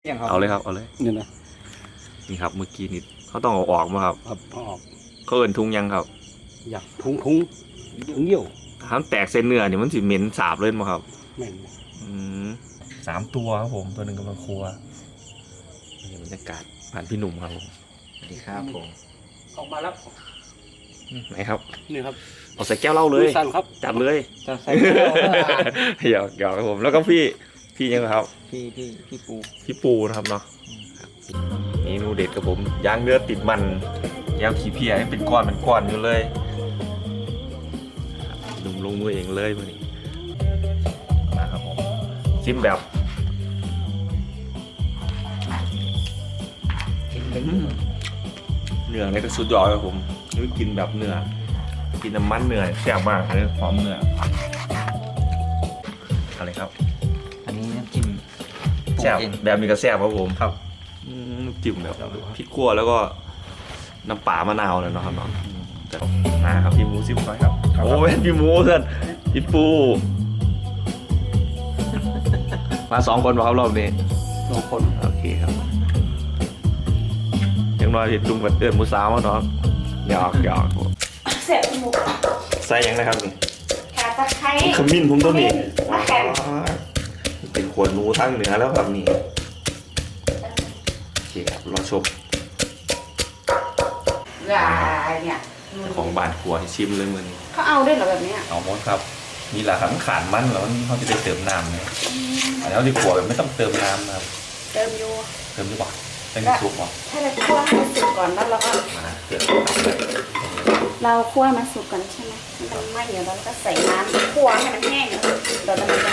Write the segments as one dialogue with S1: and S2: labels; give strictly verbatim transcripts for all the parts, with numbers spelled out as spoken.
S1: เอาเลยครับเอาเลย
S2: นี่นะ
S1: นี่ครับเมื่อกี้นี่เขาต้องเอาออกมาครับ
S2: ครับเอาออก
S1: เขาเอิ้นทุงยังครับ
S2: อยากทุงทุงทุงเยี่ยว
S1: ถ้าแตกเส้นเนื้อนี่มันสิเหม็นสาบเลยมั้งครับ
S2: แม่น
S1: อืมสามตัวครับผมตัวหนึ่งกำลังครัวนี่บรรยากาศผ่านพี่หนุ่มครับผมสวัสดีครับผม
S2: ออกมาแล้ว
S1: ไหนครับ
S2: นี่ครับ
S1: เอาใส่แก้วเหล้าเลย
S2: สั่นครับ
S1: จัดเลย
S2: จะใส่แก้ว
S1: หยอกหยอกครับผมแล้วก็พี่พี่ยังครับ
S3: พี่พี่พี่ปู
S1: พี่ปูนะครับเนาะเมนูเด็ดกับผมย่างเนื้อติดมันย่างขี้เพียให้เป็นก้อนเป็นก้อนอยู่เลยหนุ่มลงมือเองเลยวันนี้มาครับผมชิมแบบเนื้อนี่ก็สุดยอดครับผมนี่กินแบบเนื้อกินน้ำมันเนื้อแซ่บมากเลยหอมเนื้ออะไรครับ
S3: อันนี้น้ำจิ้ม
S1: แซ่บแบบมีกระแซ่บครับผม
S2: ครับ
S1: น้ำจิ้มแบบพริกขั่วแล้วก็น้ำปลามะนาวเลยเนาะครับเนาะแต่มาครับพี่หมูซิมหน่อยครับโอ้ยพี่หมูเพื่อนพี่ปูมาสองคนมาครับรอบนี้
S2: สองคน
S1: โอเคครับยังน้อยลุงกับเตือนมูสาวมาเนาะหยอกหยอก
S4: เสร็จหมู
S1: ใส่ยังนะครับนี่
S4: ขาตะไคร้
S1: ขมิ้นผมตัวนี้
S4: มาแข่ง
S1: เป็นขวดหนูทั้งเหนือแล้วครับนี่โอเคครับรอชม
S4: เนี่ย
S1: ของบานครัวให้ชิมเลยมือนี้
S4: เขาเอาด้วยเหรอแบบนี้
S1: เอาหมดครับนี่แหละครับขาดมันแล้วเขาจะได้เติมน้ำเนี่ยอันนี้เขาดีกว่าแบบไม่ต้องเติมน้ำนะครับ
S4: เติมอยู่
S1: เติมดีกว่าเติมซุปก่อน
S4: ถ้าเราคั่วให้มันสุกก่อนแล้วเราก็
S1: มาเติม
S4: เราคั่วมันสุกก่อนใช่ไหมมันไม่เดี๋ยวเราก็ใส่น้ำคั่วให้มันแห้งเดี๋ยวเราจะ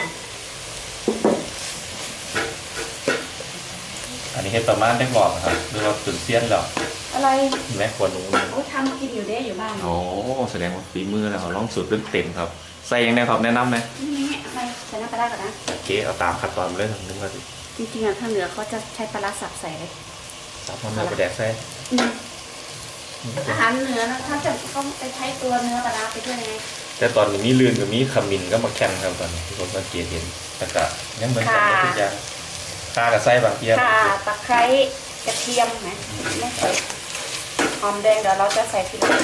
S1: อันนี้ให้ประมาณได้บอกครับหรือว่าตุนเซียนหรอ
S4: อะไร
S1: แม่ขวดหนู
S4: โอ้ทำกินอยู่ได้อยู่บ้าน
S1: โอ้แสดงว่าฝีมือแล้วเขาลองสูตรเต็มครับใส่ยังไงครับแนะนำไหม
S4: นี่อะไรใส่น้ำปลาก่อนนะ
S1: โอเคเอาตามขั้นตอนเลยนึกว่า
S4: จริงๆอ่ะถ้าเหลือเขาจะใช้ปลาสับใส่เลย
S1: สับมันเนื้อไปแดกใส่
S4: อาหารเนื้อนะถ้าจะเขาไปใช้ตัวเนื้อปลาไปด้วยไง
S1: แต่ตอนนี้มีเลื่อนกับมีขมิ้นก็มาแข่งครับตอนนี้ที่ผมสังเกตเห็นแต่ก็ยังเหมือนกันทุกอย่างข่ากับไส้บางเทียม
S4: ข่าตะไคร้กระเทียมนะไม่ใส่หอมแดงเดี๋ยวเราจะใส่ทีหลัง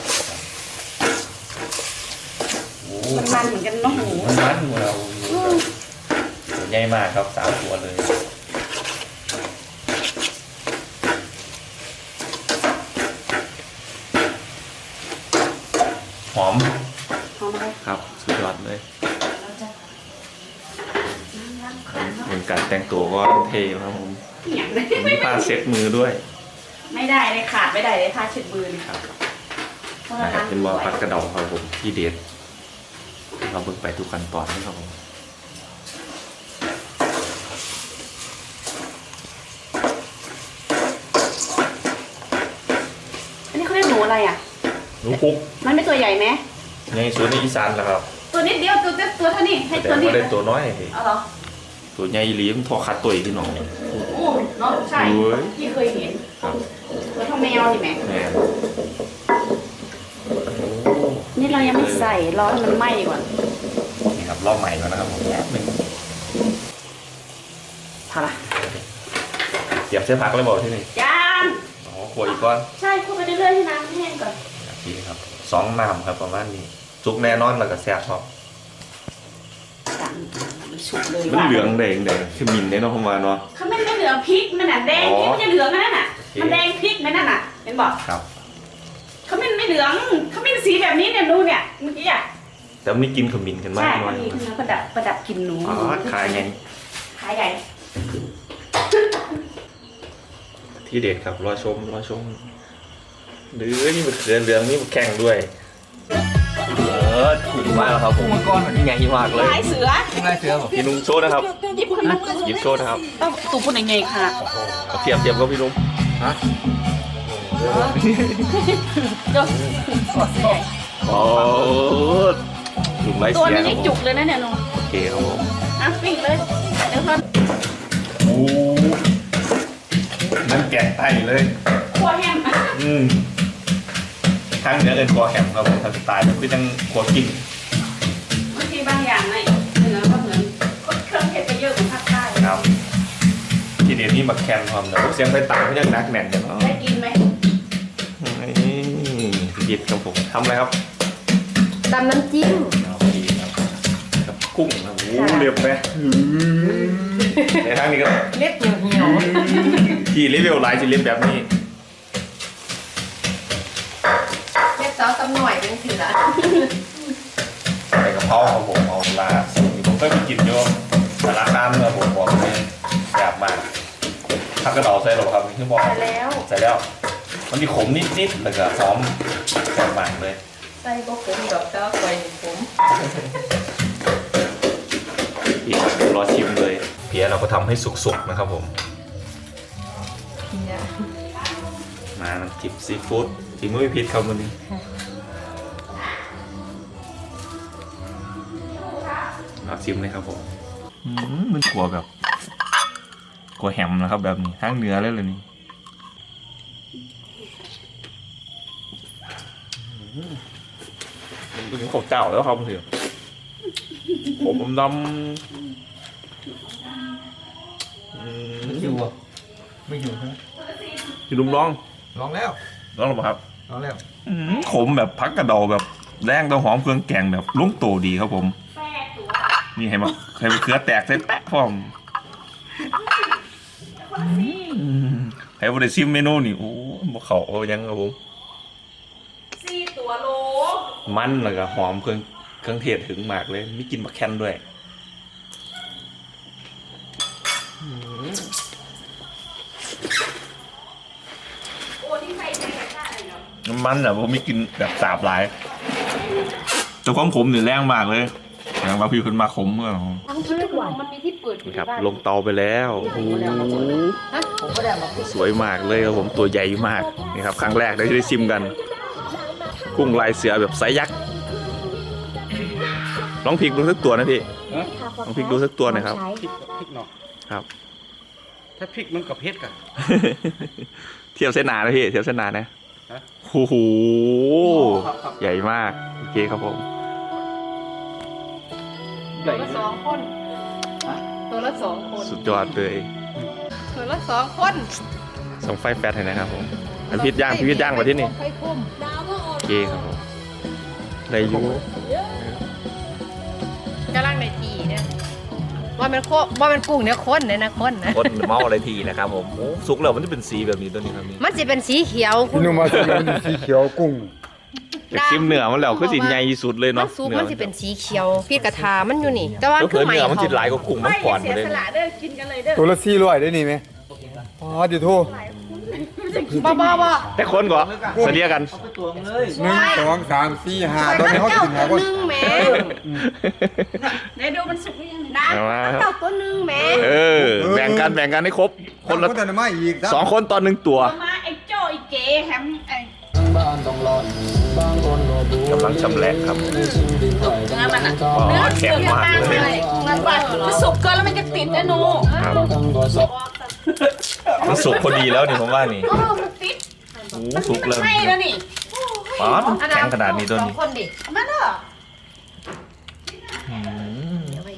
S4: มันมันเหมือนกันเนาะหมู
S1: มันมันหมูเราใหญ่มากครับสามตัวเลยหอม
S4: หอมอะไร
S1: ครับสุดยอดเลยเหมือนการแต่งตัวก็เท่ครับผมมีผ้าเช็ดมือด้วย
S4: ไม่ได้เลยขาดไม่ได้เลยผ้าเช็ดมือครับ
S1: เป็นว่าผัดกระเดาครับผมที่เด็ดเราเบิ่งไปทุกขั้นตอนนะครับผม
S4: อันนี้เขาเรียกหนูอะไรอ่ะ
S1: หนูคุก
S4: มันไม่ตัวใหญ่ไหม
S1: ในส่วนในอีสานนะครับ
S4: ตัวนิดเดียวตัวตัวเท่านี้ให้ตัวนี้
S1: ได้ตัวน้อย
S4: เอาเหรอ
S1: ตัวใหญ่ลี้มทอคัดตัวอีกที่น้อง
S4: โอ้เนาะใช่ที่เคยเห็นตัวเท่าแมวใช่ไหมนี่เรายังไม่ใส่รอให้มันไหม้ก่อน
S1: นี่ครับรอบใหม่ก่อนนะครับผมหนึ่ง
S4: พอละ
S1: เตรียมเสื้อพักเลยบอกที่นี่
S4: ย่าง
S1: อ๋อขวดอีกก้อน
S4: ใช่คั่วไปเรื่อยๆให้น้ำแห้งก่อน
S1: นี่ครับสองน้ำครับประมาณนี้จุกแน่นอนแล้วก็แซ่บครับมันเหลืองแดงแดงคือมินได้เนาะประมาณเนาะ
S4: เขาไม่ได้เหลืองพริกมันน่ะแดงพริกมันจะเหลืองนั่นน่ะมันแดงพริกนั่นน่ะเห็นบอก
S1: ครับ
S4: เขาไม่ไม่เหลืองเขาไม่สีแบบนี้เนี่ยดูเนี่ยเมื่อกี้อ่ะ
S1: แต่ไม่กินขมิ้นกันมาก
S4: น้อยใช่ประดับประดับกินหนู
S1: อ๋อขายไง
S4: ขายใหญ่
S1: ที่เด็ดครับรอชมรอชมหรือนี่มันเรืองเรืองนี่มันแข่งด้วยเออถูกมากแล้วครับผม
S3: ก้อนแบบนี้
S1: ใหญ่มากเลย
S4: ลายเสือ
S3: ลายเสือผม
S1: พี่นุ่มโชว์นะครับ
S4: หยิบคน
S1: หยิบโชว์นะครับ
S4: ต้องตูพูดยังไงค่ะ
S1: เทียบเทียบกับพี่นุ่มฮะโอ้ลุงไรเสีย
S4: ตัวนี้จุกเลยนะเนี่ยนุ่ม
S1: โอเคครับผม
S4: อ่ะปิ้งเลยเดี๋ยวก่อน
S1: โอ้นั่นแกะไตเลย
S4: คั่วแฮม
S1: อืมทั้งเนื้อเอ็นคอแฮมครับผมทำสไตล์แบบที่ตั้งครัวกิน
S4: บางทีบางอย่างในเนื้อก็เหมือนเครื่องเทศไปเยอะของภาคใต้
S1: ครับทีเด็ดนี่มาแคนความแต่เสียงไฟต่างเขายังนักแน่นกันเนาะ
S4: ได้กินไหม
S1: นี่หยิบครับผมทำอะไรครับ
S4: ตำน้ำจิ้ม
S1: เอาดีครับกับกุ้งนะโอ้โหเรียบไหมในทางนี้ก็
S4: เล็บเหี่ยวเหี่ยว
S1: ที่รีวิวไลน์จะเรียบแบบนี้
S4: เล็บเสาตำหน่อยเป็นสิละ
S1: ใส่กระเพราครับผมเอาลาสูตรผมเคยไปกินโยมแต่ราคาเมื่อผมบอกเลยแบบมากถ้ากระดองใส่หรอครับนี่คือบอก
S4: ใส่แล้ว
S1: ใส่แล้วมันมีขมนิดๆแล้วก็ซ้อมแบบมากเลย
S4: ใส่บกผมดอกเจ้าไฟผม
S1: อีกรอชิมเลยเพียเราก็ทำให้สุกๆนะครับผม
S4: เพีย
S1: มาน้ำจิ้มซีฟู้ดที่มือพิษครับวันนี้เอาชิมเลยครับผมมันกลัวแบบกลัวแฮมนะครับแบบนี้ทั้งเนื้อเลยเลยนี่มันเป็นข้าวเจ้าแล้วครับเพื่อนผมดำ
S3: อยู่อ่ะไม่อยู่ใช่ไหม
S1: พี่ลุงร้อง
S3: ลองแล้ว
S1: ร้องหรือเปล่าครับ
S3: ลองแล้ว
S1: ขมแบบพักกระเดาแบบแรงตัวหอมเครื่องแกงแบบลุ่งโตดีครับผมนี่ให้มาให้มาเครือแตกใส่แปะพร้อมให้บริซิมเมนูนี่โอ้บเขาเอายังครับผม
S4: สี่ตัวโล
S1: มันแล้วก็หอมเครื่องเครื่องเทศถึงมากเลยมีกลินมะแคนด้วยน้ำมันอ่ะผมมีกลินแบบสาบหลายแต่ความขมเนี่ยแรงมากเลยอย่างว่าพี่คนมาขมเมื่อ
S4: ทั้งที่ทุกวันมันมีที่เปิดอยู่
S1: ครับ
S4: บ้าน
S1: ลงเตาไปแล้วโอ้โห
S4: ผมก็ได้มา
S1: สวยมากเลยครับผมตัวใหญ่มากนี่ครับครั้งแรกได้ได้ชิมกัน กุ้งลายเสือแบบไซส์ยักษ์ลองพลิกดูสักตัวนะพี่ลองพลิกดูสักตัวหน่อยครับ
S2: พริกพริกเนาะ
S1: ครับ
S2: ถ้าพริกมันกับเผ็ดกัน
S1: เทียบเส้นหนานะพี่เทียบเส้นหนานะ
S2: ฮะ
S1: โอ้โหใหญ่มากโอเคครับผม
S4: ตัวละสองคนตัวละสองคน
S1: สุดยอดเลย
S4: ตัวละสองคน
S1: ส่งไฟแฟตให้นะครับผมอันพิษย่างพิษย่างมาที่นี่
S4: ไข่คุ้ม
S1: โอเคครับผมได้อยู่
S4: กำลังในทีเนี่ยว่ามันโคว่ามันกุ้งเนี่ยข้นเนี่ยนะข้นนะ
S1: คนเมาอะไรทีนะครับผมโอ้สุกแล้วมันจะเป็นสีแบบนี้ตัวนี้ครับนี่
S4: มันจะเป็นสีเขียวคุ
S5: พี่
S4: ณ
S5: นุ่มมาจากนั้นสีเขียวกุ้ง
S1: จากซิมเนื้อมันแล้วก็สิใหญ่ที่สุดเลย
S4: มั
S1: เนาะ
S4: นสุกมันจะเป็นสีเขียวพี่กระทามันอยู่นี่ แต่ว่า
S1: ก็
S4: คื
S1: เผื่
S4: อ
S1: อ
S4: ใหม่
S1: เนื้อมันจิตหลายก็กุ้งมันก่อนมาเลย
S5: ตัวละสี่ร้อยได้นี่ไหมอ๋อเดี๋ยวโทษ
S4: บ้าบ้าบ้า
S1: แต่คนก่อนเสียกัน
S3: เอาไปตวงเลย
S5: หนึ่งสองสามสี่ห้าตอนนี้เขากินหาคน
S4: หนึ่งแหม่ไหนดูมันสุกหรือยังนะ
S1: เอามา
S4: เต่าตัวหนึ่งแหม่
S1: เออแบ่งกันแบ่งกันให้ครบคนละ
S5: คนแต่ไม่อีก
S1: สองคนตอนหนึ่งตัว
S6: มาไอ้โจ้ไอ้เก๋แฮมไอ้
S1: กำลังชำแหละครับ
S6: เนื้อมันอ่ะ
S1: อ๋อแข็งมากเลย
S6: มันแบบมันสุกเกินแล้วมันจะติดนะหนู
S1: ครับมันสุกพอดีแล้วนี่ผมว่านี่
S6: เออมันติด
S1: โอ้สุกเลย
S6: ไม่แล้วนี่
S1: อ๋อแข็งขนาดนี้ตัว
S4: สอ
S1: นี้
S4: งคนดิ
S6: มาเด้อ
S1: อืม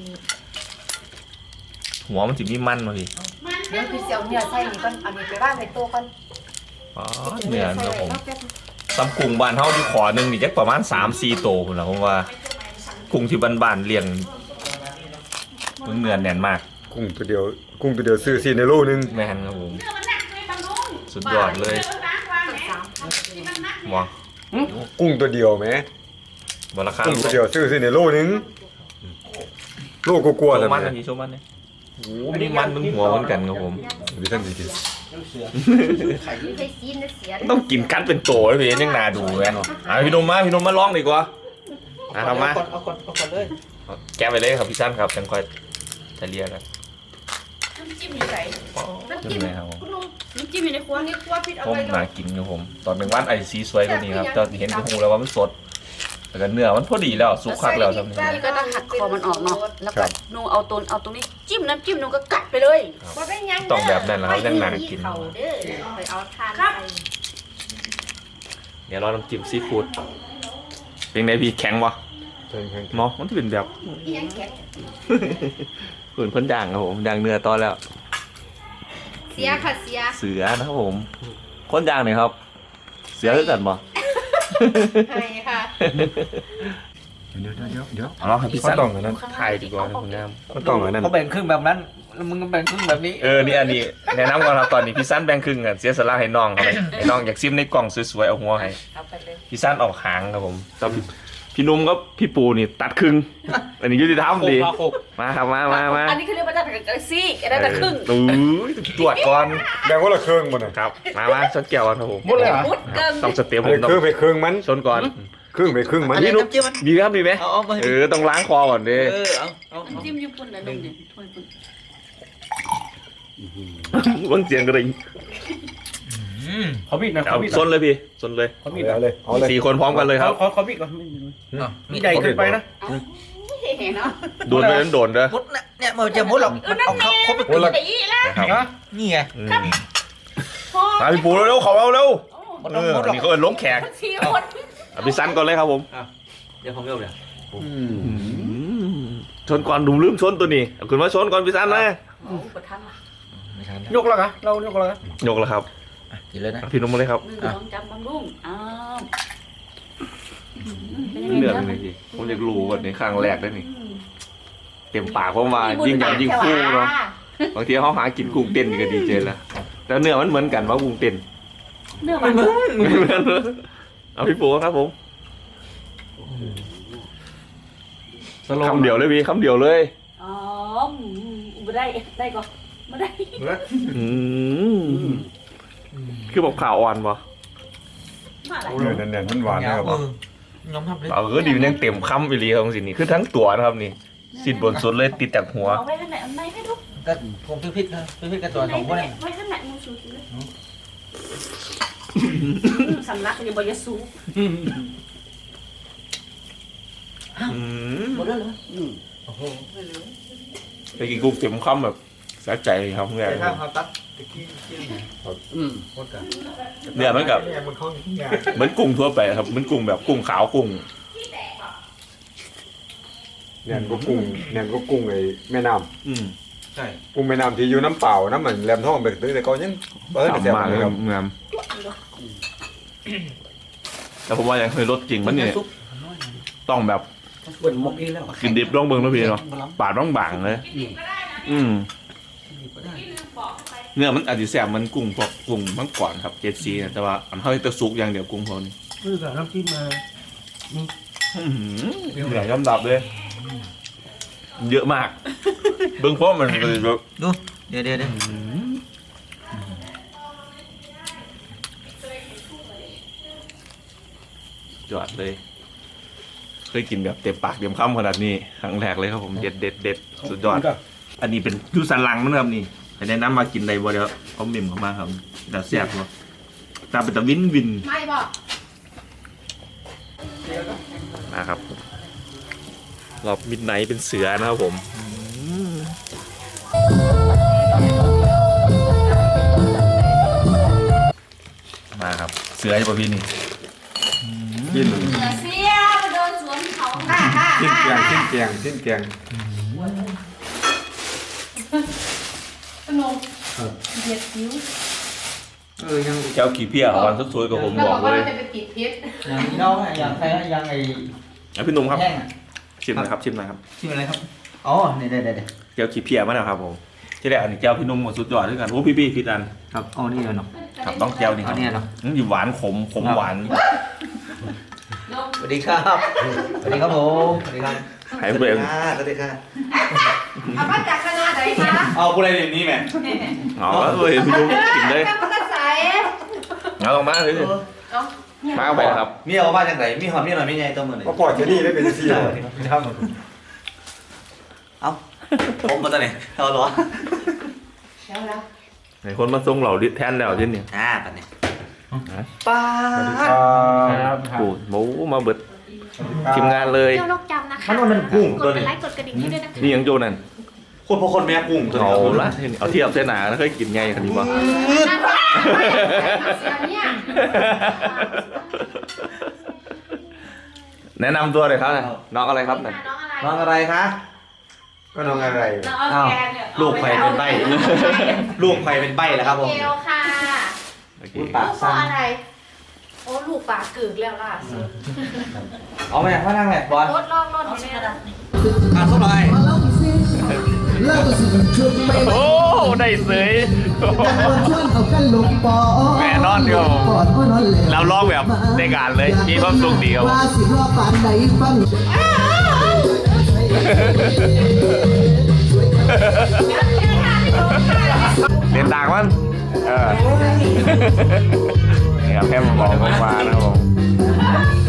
S1: หัวมันจะมีมันมาพี่
S4: เดี๋ยวคือเสียวเนื้อใส่นี่ก่อนเอานี่ไปว่างในตู้ก่อน
S1: อ๋อเนื้อครับผมตำกุ้งบ้านเฮาที่ขอหนึ่งนี่จักประมาณสามสี่โตคุณนะผมว่ากุ้งที่บ้านๆเลี้ยงเนื้อแน่นมาก
S5: กุ้งตัวเดียวกุ้งตัวเดียวซื้อสี่ในโลนึง
S1: แม่นครับผม
S6: เนื้อมันหนักเลยบางนุ่ง
S1: สุดยอดเลย
S6: เนื้อล้างวางแหมมันหนัก
S1: ว้า
S5: กุ้งตัวเดียวไหม
S1: บราคา
S5: กุ้งตัวเดียวซื้อสี่ในโลนึงโลกกลัวๆ
S1: โช
S5: แต่
S1: ว์มัน
S5: ไหม
S1: นะพี่โชว์มันเนี่ยโอ้มีมันมึงหัวเหมือนกันครับผม
S5: ดิฉันสิกิน
S4: ไม่ใช่ซีนนะเสีย
S1: ต้องกินกันเป็นโตเลยพี่ยังนาดูแม่อ่ะพี่นมมาพี่นมมาลองดีกว่าอ่ะทำมา
S3: เอาก่อนเอาก่อนเลย
S1: แกะไปเลยครับพี่สั้นครับจังค่อยจะเรียกกัน
S6: น้ำจิ้มอยู่ไหน
S1: ขึ้นเลยครับผม
S6: คุณลุงน้ำจิ้มอยู่ในครัว
S4: นี่กลัวพิษเอา
S1: ผม
S4: ไว้
S1: น่ากินครับผม ตอนหนึ่งวันไอซีสวยกว่านี้ครับเจ้าเห็นกระหูแล้วว่ามันสดแต่ก็เนื้อมันพอดีแล้วสุกคักแล้วทำนี่
S6: นี่ก็ต้องหักคอมันออกเนาะแล้วก็หนูเอาตัวเอาตรงนี้จิ้มน้ำจิ้มหนูก็กัดไปเลย
S4: บ่เป็นหยัง
S1: ต้องแบบนั้นแล้วยังน่ากิน
S4: เขาเด้อไปเอาทาน
S6: ครับ
S4: ไป
S1: เดี๋ยวเราลองจิ้มซีฟู้ดเป็นไงพี่แข็งวะ
S5: ใช่ครับ
S1: เนาะมันจะเป็นแบบ
S4: อีหยังแข็ง
S1: เหมือนเพิ่นย่างครับผมย่างเนื้อตอนแล้ว
S4: เสียค่ะเสีย
S1: เสือนะครับผมคนยางหน่อยครับ เสือคือกันบ่
S4: ใช่ค่ะ
S5: เดี๋ยวเดี๋ยวเดี๋ยว
S1: เอาให้พี่
S5: ก็
S1: สัน
S5: ต้องอันนั้น
S1: ถ่ายดีกว่านะคุณงาม
S5: ก็ต้องอันนั้น
S3: เขาแบ่งครึ่งแบบนั้นแล้วมึงก็แบ่งครึ่งแบบนี้
S1: เออนี่อันนี้แนะนำก่อนครับตอนนี้พี่สันแบ่งครึ่งกันเสียสละให้น้องเขาไปให้น้องอยากซิมในกล่องสวยๆเอาหัวให้
S6: เอาไปเลย
S1: พี่สันออกหางครับผมตอนพี่นุ่มก็พี่ปูนี่ตัดครึ่งอันนี้ยุติธรรมดี
S3: โคกโคก
S1: มาครับมามามา
S6: อันนี้คือเรียกว่าจะกระซี่ได้แต่ครึ่ง
S1: เออตรวจก่อน
S5: แบ่งคนละครึ่งมันน่ะ
S1: ครับมามาชนแก้วกันครับผม
S3: หมดเลยเหรอ
S6: มุดเกิน
S1: ต้องสเต็ป
S5: อัน
S1: ผม
S5: นี้
S1: ต้อง
S5: ครึ่งไปครึ่งมัน
S1: ชนก่อน
S5: ครึ่งไปครึ่งมัน
S1: พี่นุ่มดีครับดีไหม
S3: เอาเอาไป
S1: เออต้องล้างคอก่อนดิ
S3: เออเอาเอาเอา
S6: จิ้มญี่ปุ่นนะนุ่มเนี่ยถ้วยปุ่น
S1: วังเสียงกระดิ่ง
S2: เขาบิดนะ
S1: เอา
S2: เขาบิด
S1: ชนเลยพี่ชนเลย
S2: เขาบิด
S5: เอาเลยเอาเลย
S1: สี่คนพร้อมกันเลยครับ
S2: เขาเขาบิดก่อนมีใหญ่เกินไปนะ
S4: เห็นเนาะ
S1: โดนไปนั้นโดนเด้อ
S3: มุดเนี่ยเนี่ยมันจะมุดหรอกมันเอาเขาเขาไป
S5: คนละ
S4: ตีแล้ว
S1: นะครับ
S3: นี่ไง
S1: อืม
S4: พ่อ
S1: มาพี่ปูเร็วๆขอเอาเร็ว
S3: มัน
S1: เอ
S3: ต้อง
S1: อ
S3: มุดหรอก
S1: นี่เขาเอินล้มแขก
S4: สี่คน
S1: เอาพี่สันก่อนเลยครับผม
S3: เดี๋ยวผมเร็วเลย
S1: ชนก่อนดุมลืมชนตัวนี้เอาคุณมาชนก่อนพี่สันนะ
S6: โอ้ประทันว่ะ
S3: ไม่ทัน
S2: ยกแล้วกะเรายกแล้วกะ
S1: ยกแล้วครับ
S3: กินเลยนะ
S1: เอาพี่นุ่มมาเลยครับ
S6: หนึ่งสองจำบำรุงอ้าวเป็นยังไง
S1: เลือด
S6: จ๊ะ
S1: เลยพี่ผมอยากรู้ก่อนในครั้งแรกได้นี่เต็มปากเพราะว่ายิ่งใหญ่ยิ่งฟูเนาะบางทีเขาหากินกุ้งเต้นนี่ก็ดีเจแล้วแต่เนื้อมันเหมือนกันว่ากุ้งเต้น
S6: เนื้อมัน
S1: ไม่เหมือนเอาพี่ปูครับผมคำเดียวเลยพี่คำเดียวเลย
S6: อ๋อไม่ได้ได้ก่อนไม่ได้
S1: อืมคือบอกข่าวอ่อนปะ
S6: มาอะไร
S5: เนื้อแน่นๆมันหวานนะครับ
S3: เออน้องทำเลย
S1: เออดีมันยังเต็มคำไปเลยของสินี่คือทั้งตัวนะครับนี่สินบนสุดเลยติดจากหัว
S6: เอาไว้ข้างในอันไหนให้ดู
S3: ก็คงพริกนะพริกกับตัวของพวกนี้
S6: ไว้ข้างในมึงสูดเลยสำลักอย่าบอกอย่าสูบ
S1: อืม
S3: หมดแล้วเหรอ
S2: โอ้โห
S1: ไปกินกุ้งเต็มคำแบบสะใจครับเงี้ย
S3: ใช่ครับเขาตัดตะกี้จิ้ม
S2: อืม
S3: หมดกัน
S1: เนื้อมันกับ
S5: เนี่ยมันเข้าที่งาน
S1: เหมือนกุ้งทั่วไปครับเหมือนกุ้งแบบกุ้งขาวกุ้ง
S5: เนี่ยก็กุ้งเนี่ยก็กุ้งไอ้แม่น้
S1: อืม
S3: ใช่
S5: ำกุ้งแม่น้ำที่อยู่น้ำเปล่าน้ำเหมือนแรมทองไปตื้อแต่ก็ยังเออแต่แซ่บ
S1: มาก
S5: เล
S1: เลย ย
S5: ค
S1: ค
S5: รั
S1: รั
S5: บบ
S1: งามแต่ผมว่ายังเคยรสจริงมันเนี่ย
S3: ซุป
S1: ต้องแบบ
S3: เปิดมกอีกแล้ว
S1: กินดิบลองเบิ่งแล้วพี่เนาะปาดบ้างบางเลยอืมเนื้อมันอาจจะแสบมันกุ้งพวกกุ้งมังกรครับเจ็ดสีนะแต่ว่าอันเท่าที่ตะซุกอย่างเดียวกุ้งพอนี่
S2: คือกับน้ำจิ้มมา
S1: เหนื่อยย่ำดับเลย เยอะมาก เบื้องเพราะมันเลยแบบ
S3: ดูเดี๋ยวเดี๋ยวเดี๋ยว
S1: จอดเลย เคยกินแบบเต็มปากเต็มคำขนาดนี้ครั้งแรกเลยครับผมเด็ดเด็ดเด็ดสุดยอด อันนี้เป็นยูสันหลังมั้งครับนี่แต่แนะนำมากินในบ่เดี๋ยวเขาเมมเข้ามาครับแต่แซ่บกว่าตาเป็นตะวินวิน
S4: ไม่บอก
S1: นะครับรอบมิดไนท์เป็นเสือนะครับผมมาครับเสืออยู่ป่ะพี่นี่
S5: กิน
S4: เสียมาโดนสวนเขาค่ะค่ะ
S5: ชิ้น
S4: ค่ะ
S5: แกงชิ้นแกงชิ้นแกง
S4: ขนมเด็ดคิ้ว
S3: เออยัง
S1: เจ้าขี้เพี้ยวันสวยๆกับผมบอกเลย
S4: จะไปติดเพชร
S3: ยังน้องยังใครยังไอ้
S1: อ่ะพี่หนุ่มครับ
S3: แห้งอ่ะ
S1: ชิมหนะครับชิมหนะครับ
S3: ชื่ออะไรครับอ๋อเนี่ยเดี๋ยวเดี๋ยวเดี๋ยว
S1: เจ้าขี้เพี้ยมาแล้วครับผมที่แรกอันนี้เจ้าพี่หนุ่มหมดสุดยอดด้วยกันโอ้พี่พี่พี่ดัน
S3: ครับอ๋อนี่เนาะ
S1: ครับต้องเจ้านี่ค
S3: อั
S1: รับ
S3: นนี้เนาะ
S1: อืมอยู่หวานขมขมหวาน
S3: สวัสดีครับสวัสดีครับผมสวัสดีครับ
S1: หายเบรม
S3: สวัสดีครับ
S4: เอามาจากคณะไหนคะ
S3: เอาผู้ใดเดี๋ยวนี้แม่
S1: อ๋อเออเห็นพี่หนุ่มกินเลย
S4: แม่พุทธสาย
S1: เอาลงมาเลยมาเอาไปครับ
S3: มีเอามาจากไหนมีหอมมีหน่อยมีไงตัวมือไหน
S5: ก็ปล่อยแค่นี้ได้เป็นสี่
S3: ครับเอาผมมาตัวไหนเอาหรอ
S4: เดี๋ยวแล้ว
S1: ไหนคนมาส่งเหล่าดิแทนแล้วที่นี่
S3: อ่าปัดเนี่ยป้า
S5: สวัสดีครับ
S1: โอ้หมูมาเบิดทีมงานเลย
S4: เจ้านกจำนะคะ
S3: มันมันกุ้ง
S4: ก
S3: ตัว
S4: ด
S3: นี้
S4: ไลค์กดกระดิ่งให้ด้วยนะคะ
S1: นี่ยังโจนั่น
S3: คนพอคนแม่กุ้งตัว
S1: เอา
S3: นี้
S1: ละเอาเทียบเส้นหนาแล้วเคยกินไงคันนี้วะ
S4: เสียเนี่ย
S1: แนะนำตัวเลยครับน้องอะไรครับนั่น
S4: น้องอะไร
S3: น้องอะไรคะ
S5: ก็น้องอะไร
S4: เราเอา
S3: อ้าว
S4: แกงเนี่ย
S3: ลูกใครเป็นใบลูกใครเป็นใบแล้วครับผม
S4: เกลค่ะ
S1: โอเค
S3: พูด
S4: ลู
S3: ปาก
S4: กเพ
S3: สั้
S4: ราะ
S3: น
S4: อะไร โอ้ลูกปากกึกแล้วล่ะสุด
S3: เอาไปพ่อนั่งแหละบอล
S4: รถลอกรถเอาเนี่ยนะ
S3: อ่านส้มหน่อย
S1: โอ้ได้เสยแม่นอนเดียวเราลองแบบในการเลยมีความสุขเดียวเรียนต่างมันเออนี่ครับแค่มองลงมานะครับผม